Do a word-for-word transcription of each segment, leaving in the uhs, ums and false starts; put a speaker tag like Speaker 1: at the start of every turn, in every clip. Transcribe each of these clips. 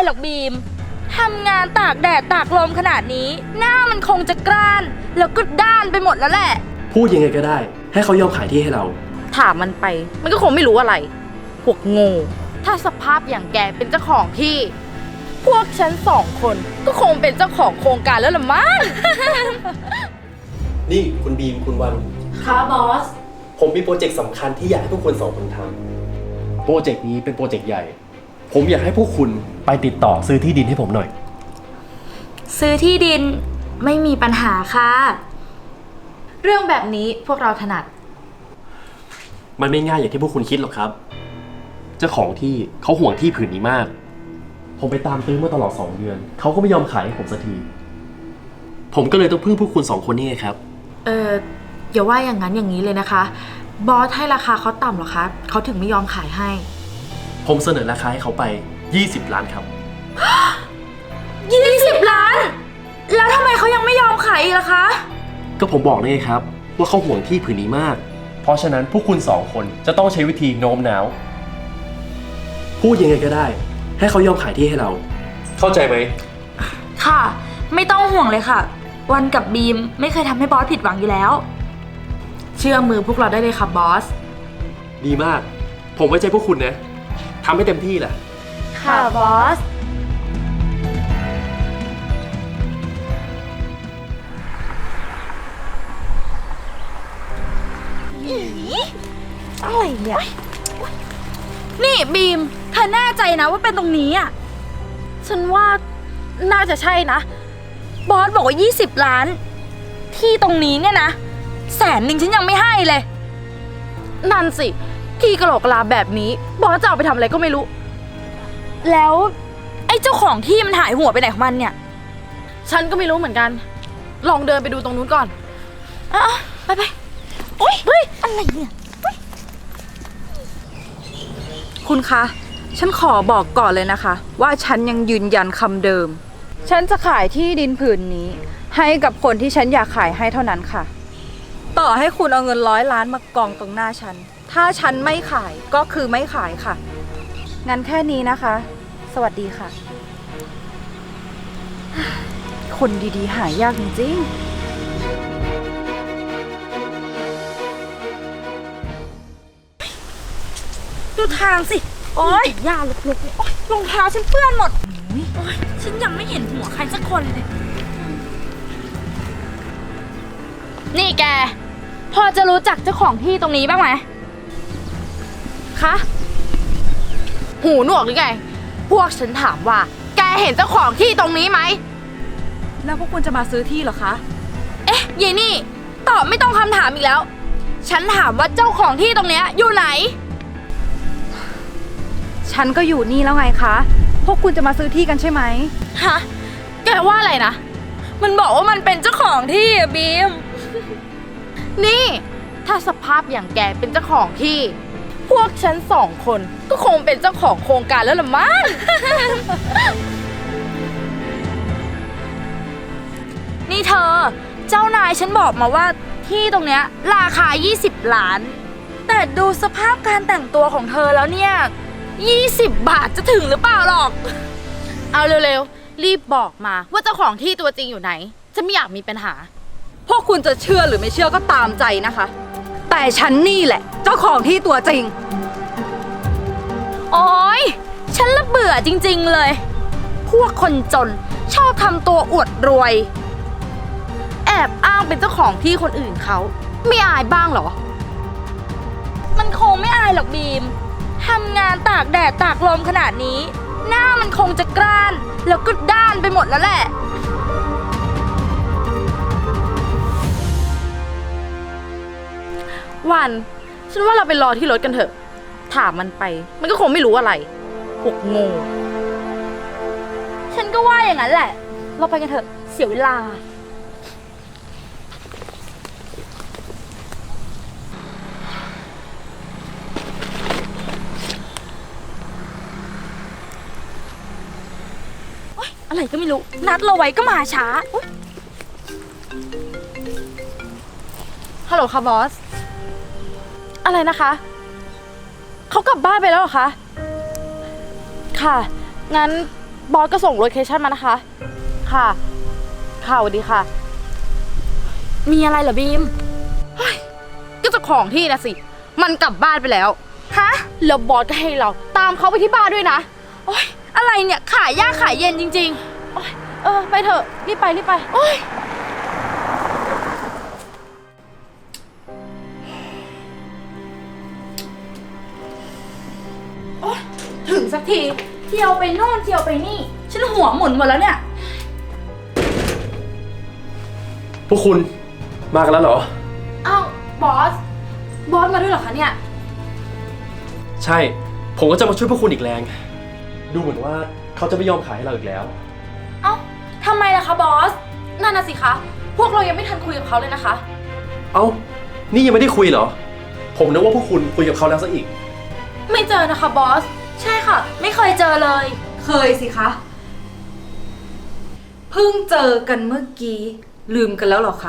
Speaker 1: หรอกบีมทำงานตากแดดตากลมขนาดนี้หน้ามันคงจะกร้านแล้วก็ด้านไปหมดแล้วแหละ
Speaker 2: พูดยังไงก็ได้ให้เขายอมขายที่ให้เรา
Speaker 1: ถามมันไปมันก็คงไม่รู้อะไรพวกโง่ถ้าสภาพอย่างแกเป็นเจ้าของที่พวกฉันสองคนก็คงเป็นเจ้าของโครงการแล้วล่ะมั้ง
Speaker 2: นี่คุณบีมคุณวัน
Speaker 1: ค่ะบอส
Speaker 2: ผมมีโปรเจกต์สำคัญที่อยากให้พวกคุณสองคนทำโปรเจกต์นี้เป็นโปรเจกต์ใหญ่ผมอยากให้พวกคุณไปติดต่อซื้อที่ดินให้ผมหน่อย
Speaker 1: ซื้อที่ดินไม่มีปัญหาค่ะเรื่องแบบนี้พวกเราถนัด
Speaker 2: มันไม่ง่ายอย่างที่พวกคุณคิดหรอกครับเจ้าของที่เขาห่วงที่ผืนนี้มากผมไปตามตื้อมาตลอดสองเดือนเขาก็ไม่ยอมขายให้ผมสักทีผมก็เลยต้องพึ่งพวกคุณสองคนนี่ไงครับ
Speaker 1: เอออย่าว่าอย่างนั้นอย่างนี้เลยนะคะบอสให้ราคาเขาต่ำหรอคะเขาถึงไม่ยอมขายให้
Speaker 2: ผมเสนอราคาให้เขาไปยี่สิบล้านครับ
Speaker 1: ยี่สิบล้านแล้วทำไมเขายังไม่ยอมขายอีกล่ะคะ
Speaker 2: ก็ผมบอกเลยครับว่าเขาห่วงที่ผืนนี้มากเพราะฉะนั้นพวกคุณสองคนจะต้องใช้วิธีโน้มน้าวพูดยังไงก็ได้ให้เขายอมขายที่ให้เราเข้าใจไหม
Speaker 1: ค่ะไม่ต้องห่วงเลยค่ะวันกับบีมไม่เคยทำให้บอสผิดหวังอยู่แล้วเชื่อมือพวกเราได้เลยค่ะบอส
Speaker 2: ดีมากผมไว้ใจพวกคุณนะทำให้เต็มที่แหละ
Speaker 1: ค่ะบอสอะไรเนี่ยนี่บีมเธอแน่ใจนะว่าเป็นตรงนี้อ่ะฉันว่าน่าจะใช่นะบอสบอกว่ายี่สิบล้านที่ตรงนี้เนี่ยนะแสนหนึ่งฉันยังไม่ให้เลยนั่นสิที่กะโหลกกะลาแบบนี้บอสจะเอาไปทำอะไรก็ไม่รู้แล้วไอ้เจ้าของที่มันหายหัวไปไหนของมันเนี่ยฉันก็ไม่รู้เหมือนกันลองเดินไปดูตรงนู้นก่อนอ่ะไปไปโอ๊ยเฮ้ยอะไรเนี่ยคุณคะฉันขอบอกก่อนเลยนะคะว่าฉันยังยืนยันคำเดิมฉันจะขายที่ดินผืนนี้ให้กับคนที่ฉันอยากขายให้เท่านั้นค่ะต่อให้คุณเอาเงินร้อยล้านมากองตรงหน้าฉันถ้าฉันไม่ขายก็คือไม่ขายค่ะงั้นแค่นี้นะคะสวัสดีค่ะคนดีๆหายากจริงๆดูทางสิโอ๊ยหญ้าลุกๆโอ๊ยรองเท้าฉันเปื้อนหมดโอ๊ยฉันยังไม่เห็นหัวใครสักคนเลยนี่แกพอจะรู้จักเจ้าของที่ตรงนี้บ้างไหมคะหูหนวกหรือไงพวกฉันถามว่าแกเห็นเจ้าของที่ตรงนี้ไหมแล้วพวกคุณจะมาซื้อที่เหรอคะเอ๊ะยายนี่ตอบไม่ต้องคำถามอีกแล้วฉันถามว่าเจ้าของที่ตรงเนี้ยอยู่ไหนฉันก็อยู่นี่แล้วไงคะพวกคุณจะมาซื้อที่กันใช่ไหมฮะแกว่าอะไรนะมันบอกว่ามันเป็นเจ้าของที่อะบีมนี่ถ้าสภาพอย่างแกเป็นเจ้าของที่พวกฉันสองคนก็คงเป็นเจ้าของโครงการแล้วล่ะมั้ง นี่เธอเจ้านายฉันบอกมาว่าที่ตรงเนี้ยราคายี่สิบล้านแต่ดูสภาพการแต่งตัวของเธอแล้วเนี่ยยี่สิบบาทจะถึงหรือเปล่าหรอกเอาเร็วๆรีบบอกมาว่าเจ้าของที่ตัวจริงอยู่ไหนฉันไม่อยากมีปัญหาพวกคุณจะเชื่อหรือไม่เชื่อก็ตามใจนะคะแต่ฉันนี่แหละเจ้าของที่ตัวจริงโอ๊ยฉันละเบื่อจริงๆเลยพวกคนจนชอบทำตัวอวดรวยแอบอ้างเป็นเจ้าของที่คนอื่นเขาไม่อายบ้างเหรอมันคงไม่อายหรอกบีมทำงานตากแดดตากลมขนาดนี้หน้ามันคงจะกร้านแล้วก็ด้านไปหมดแล้วแหละวันฉันว่าเราไปรอที่รถกันเถอะถามมันไปมันก็คงไม่รู้อะไรพวกโง่ฉันก็ว่าอย่างนั้นแหละเราไปกันเถอะเสียเวลาอะไรก็ไม่รู้นัดเราไว้ก็มาช้าฮัลโหลค่ะบอสอะไรนะคะเขากลับบ้านไปแล้วเหรอคะค่ะงั้นบอสก็ส่งโลเคชั่นมานะคะ ค่ะ ค่ะสวัสดีค่ะ มีอะไรเหรอบีมเฮ้ยก็เจะของที่นะสิ มันกลับบ้านไปแล้ว ฮะ แล้วบอสก็ให้เราตามเขาไปที่บ้านด้วยนะ โอ๊ย อะไรเนี่ย ขายยากขายเย็นจริงๆ โอ๊ย เออ ไปเถอะ รีบไปรีบไป โอ๊ย โอ๊ย ถึงสักที เที่ยวไปโน่นเที่ยวไปนี่ ฉันหัวหมุนหมดแล้วเนี่ย
Speaker 2: พวกคุณมากันแล้วเหรอ
Speaker 1: อ้าว บอส บอสมาด้วยเหรอคะเนี่ย
Speaker 2: ใช่ ผมก็จะมาช่วยพวกคุณอีกแรง ดูเหมือนว่าเขาจะไม่ยอมขายให้เราอีกแล้ว
Speaker 1: เอ้าทำไมล่ะคะบอส นั่นน่ะสิคะ พวกเรายังไม่ทันคุยกับเขาเลยนะคะ
Speaker 2: เอ้า นี่ยังไม่ได้คุยเหรอ ผมนึกว่าพวกคุณคุยกับเขาแล้วซะอีก
Speaker 1: ไม่เจอนะคะบอส ใช่ค่ะ ไม่เคยเจอเลย
Speaker 3: เคยสิคะ เพิ่งเจอกันเมื่อกี้ ลืมกันแล้วเหรอคะ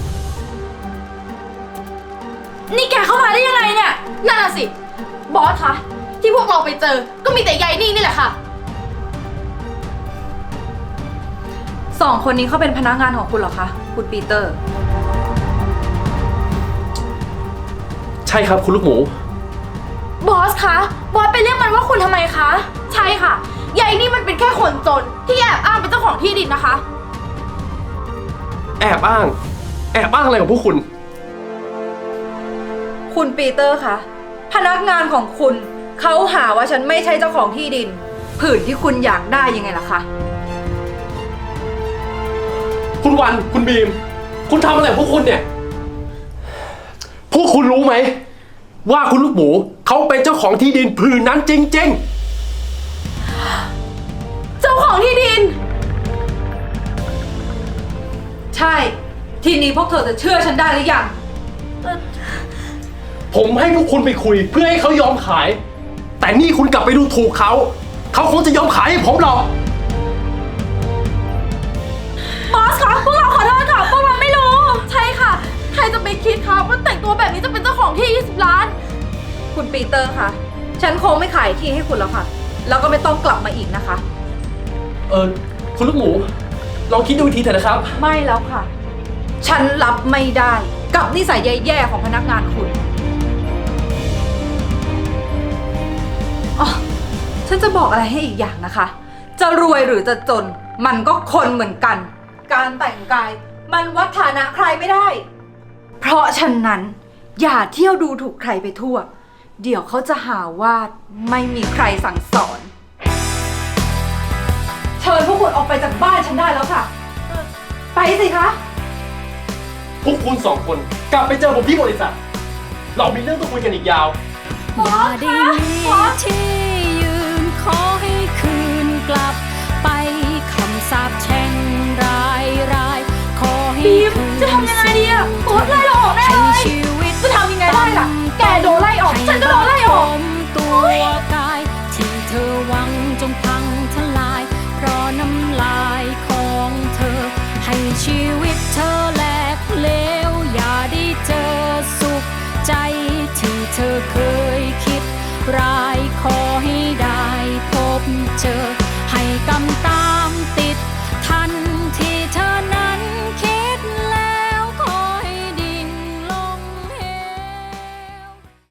Speaker 1: นี่แกเข้ามาได้ยังไงเนี่ย นั่นน่ะสิ บอสคะ ที่พวกเราไปเจอ ก็มีแต่ยายนี่นี่แหละค่ะ
Speaker 3: สองคนนี้เขาเป็นพนักงานของคุณเหรอคะ คุณปีเตอร์
Speaker 2: ใช่ครับคุณลูกหมู
Speaker 1: บอสคะ บอสไปเรียกมันว่าคุณทำไมคะ ใช่ค่ะ ยายนี่มันเป็นแค่คนจนที่แอบอ้างเป็นเจ้าของที่ดินนะคะ
Speaker 2: แอบอ้าง แอบอ้างอะไรของพวกคุณ
Speaker 3: คุณปีเตอร์คะ พนักงานของคุณเขาหาว่าฉันไม่ใช่เจ้าของที่ดิน ผืนที่คุณอยากได้ยังไงล่ะคะ
Speaker 2: คุณวัน คุณบีม คุณทำอะไรของพวกคุณเนี่ย พวกคุณรู้ไหม ว่าคุณลูกหมูเขาเป็นเจ้าของที่ดินผืนนั้นจริง
Speaker 1: เจ้าของที่ดิน
Speaker 3: ใช่ ทีนี้พวกเธอจะเชื่อฉันได้หรือยัง
Speaker 2: ๆ ผมให้พวกคุณไปคุยเพื่อให้เขายอมขาย แต่นี่คุณกลับไปดูถูกเขา เขาคงจะยอมขายให้ผมหรอก
Speaker 1: บอสคะพวกเราขอโทษค่ะ พวกเราไม่รู้ ใช่ค่ะ ใครจะไปคิดคะว่าแต่งตัวแบบนี้จะเป็นเจ้าของที่ยี่สิบล้าน
Speaker 3: คุณปีเตอร์คะ ฉันคงไม่ขายที่ให้คุณแล้วค่ะ แล้วก็ไม่ต้องกลับมาอีกนะคะ
Speaker 2: เออคุณลูกหมู ลองคิดดูอีกทีเถอะนะครับ
Speaker 3: ไม่แล้วค่ะ ฉันรับไม่ได้กับนิสัยแย่ๆของพนักงานคุณอ๋อฉันจะบอกอะไรให้อีกอย่างนะคะ จะรวยหรือจะจน มันก็คนเหมือนกัน การแต่งกายมันวัดฐานะใครไม่ได้ เพราะฉะนั้น อย่าเที่ยวดูถูกใครไปทั่ว เดี๋ยวเขาจะหาว่าไม่มีใครสั่งสอน เชิญพวกคุณออกไปจากบ้านฉันได้แล้วค่ะ ไปสิคะ
Speaker 2: พวกคุณสองคนกลับไปเจอผมที่บริษัท เรามีเรื่องต้องคุยกันอีกยาว
Speaker 4: อย่าได้มีที่ยืนขอให้คืนกลับไปคำสาปแช่งรายรายขอให้
Speaker 1: บีม
Speaker 4: คืน
Speaker 1: จะทำยังไงดีอะบอสไล่เราออกแน่เลย
Speaker 4: ให้ชีวิต
Speaker 1: จะทำยังไงได้ล่ะ แกโดนไล่ออก ฉันก็โดนไล่ออก
Speaker 4: ตัวกายที่เธอหวังจงพังทลาย เพราะน้ำลายของเธอ ให้ชีวิตเธอแหลกเหลวอย่าได้เจอสุขใจที่เธอเคยคิดร้า